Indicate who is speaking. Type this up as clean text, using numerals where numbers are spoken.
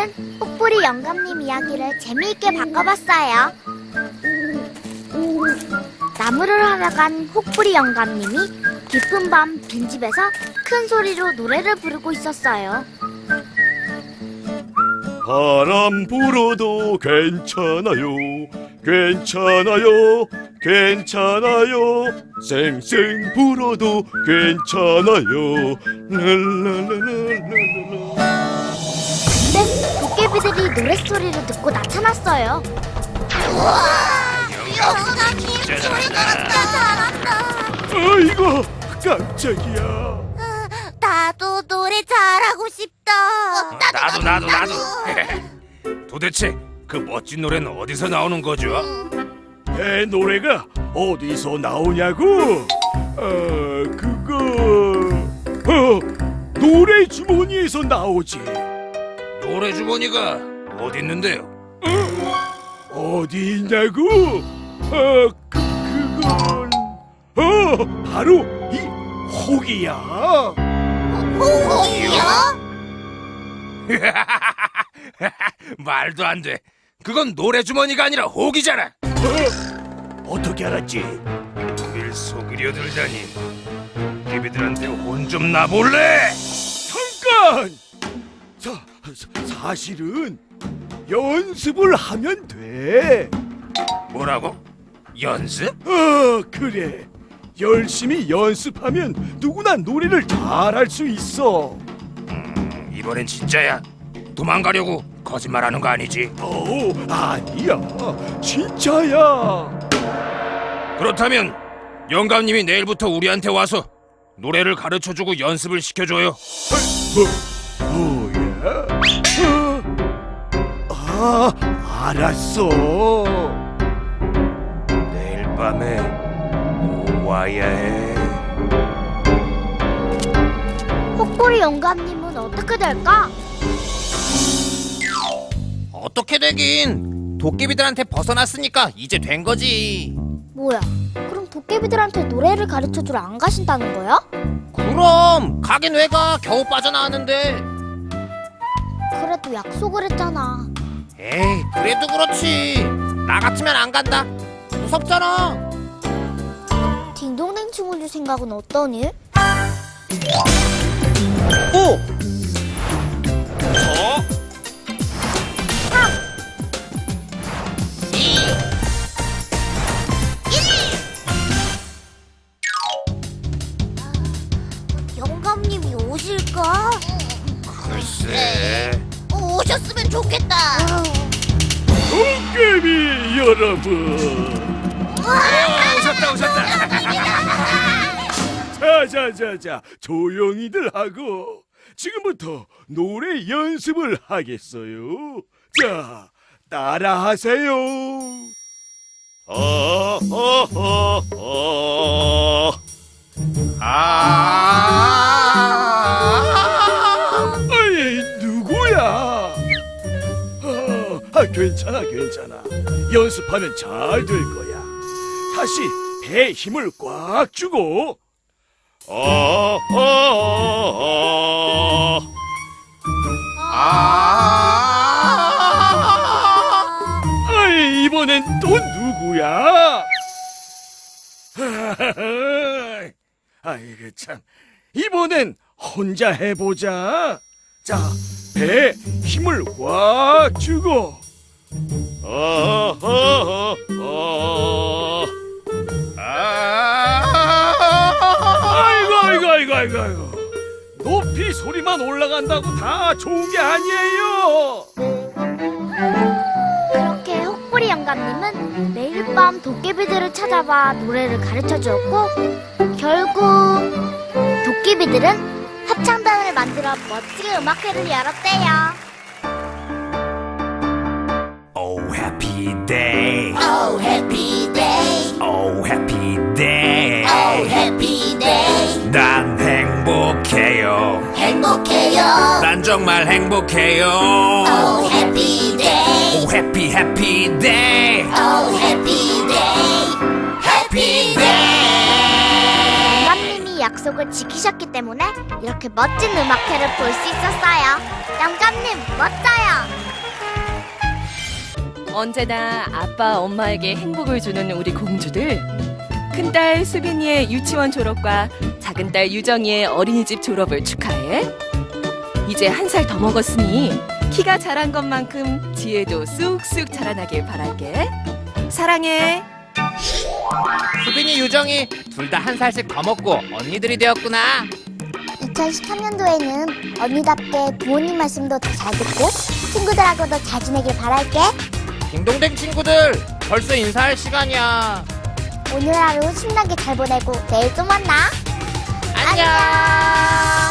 Speaker 1: 오늘은 혹부리 영감님 이야기를 재미있게 바꿔봤어요. 나무를 하러 간 혹부리 영감님이 깊은 밤 빈집에서 큰 소리로 노래를 부르고 있었어요.
Speaker 2: 바람 불어도 괜찮아요, 괜찮아요, 괜찮아요. 쌩쌩 불어도 괜찮아요. 랄랄랄랄랄라.
Speaker 1: 근데 도깨비들이 노랫소리를 듣고 나타났어요.
Speaker 3: 영감님 소리 나왔다. 잘한다.
Speaker 2: 아이고, 깜짝이야.
Speaker 3: 나도 노래 잘하고 싶다.
Speaker 4: 나도. 도대체 그 멋진 노래는 어디서 나오는 거죠?
Speaker 2: 내 노래가 어디서 나오냐고? 노래 주머니에서 나오지.
Speaker 4: 노래 주머니가 어디 있는데요?
Speaker 2: 어디 있냐고? 그건 바로 이 혹이야.
Speaker 3: 호호이요?
Speaker 4: 말도 안 돼. 그건 노래 주머니가 아니라 혹이잖아.
Speaker 2: 어떻게 알았지?
Speaker 4: 우릴 속이려 들다니. 도깨비들한테 혼 좀 나볼래?
Speaker 2: 잠깐! 사실은 연습을 하면 돼.
Speaker 4: 뭐라고? 연습?
Speaker 2: 그래. 열심히 연습하면 누구나 노래를 잘할 수 있어.
Speaker 4: 이번엔 진짜야. 도망가려고 거짓말하는 거 아니지?
Speaker 2: 아니야. 진짜야.
Speaker 4: 그렇다면 영감님이 내일부터 우리한테 와서 노래를 가르쳐주고 연습을 시켜줘요.
Speaker 2: 뭐야? 알았어.
Speaker 4: 내일 밤에 와야 해.
Speaker 1: 혹부리 영감님은 어떻게 될까?
Speaker 5: 어떻게 되긴 도깨비들한테 벗어났으니까 이제 된 거지.
Speaker 1: 뭐야, 그럼 도깨비들한테 노래를 가르쳐주러 안 가신다는 거야?
Speaker 5: 그럼 가긴 왜 가? 겨우 빠져나왔는데.
Speaker 1: 그래도 약속을 했잖아.
Speaker 5: 에이 그래도 그렇지. 나 같으면 안 간다. 무섭잖아.
Speaker 1: 딩동댕 친구들 생각은 어떠니?
Speaker 5: 오!
Speaker 3: 영감님이 오실까?
Speaker 4: 글쎄.
Speaker 3: 오셨으면 좋겠다.
Speaker 2: 도깨비 여러분.
Speaker 4: 오셨다.
Speaker 2: 자, 조용히들 하고 지금부터 노래 연습을 하겠어요. 자, 따라하세요. 아이, 누구야? 괜찮아. 연습하면 잘 될 거야. 다시 배에 힘을 꽉 주고. 아이, 이번엔 또 누구야? 아이고 참, 이번엔 혼자 해보자. 자, 배에 힘을 꽉 주고. 아이고. 높이 소리만 올라간다고 다 좋은 게 아니에요.
Speaker 1: 그렇게 혹부리 영감님은 매일 밤 도깨비들을 찾아봐 노래를 가르쳐주었고, 결국 도깨비들은 합창단을 만들어 멋지게 음악회를 열었대요.
Speaker 4: Oh happy day.
Speaker 3: Oh happy day.
Speaker 4: Oh happy day.
Speaker 3: Oh happy day.
Speaker 4: 난 행복해요.
Speaker 3: 행복해요.
Speaker 4: 난 정말 행복해요.
Speaker 3: Oh happy day.
Speaker 4: Oh happy day.
Speaker 3: Oh happy day. Happy day.
Speaker 1: 영감님이 약속 약속을 지키셨기 때문에 이렇게 멋진 음악회를 볼 수 있었어요. 영감님, 멋져요.
Speaker 6: 언제나 아빠, 엄마에게 행복을 주는 우리 공주들. 큰딸 수빈이의 유치원 졸업과 작은딸 유정이의 어린이집 졸업을 축하해. 이제 1살 더 먹었으니 키가 자란 것만큼 지혜도 쑥쑥 자라나길 바랄게. 사랑해.
Speaker 5: 수빈이, 유정이 둘 다 1살씩 더 먹고 언니들이 되었구나.
Speaker 1: 2013년도에는 언니답게 부모님 말씀도 더 잘 듣고 친구들하고도 잘 지내길 바랄게.
Speaker 5: 딩동댕 친구들, 벌써 인사할 시간이야.
Speaker 1: 오늘 하루 신나게 잘 보내고 내일 또 만나.
Speaker 5: 안녕.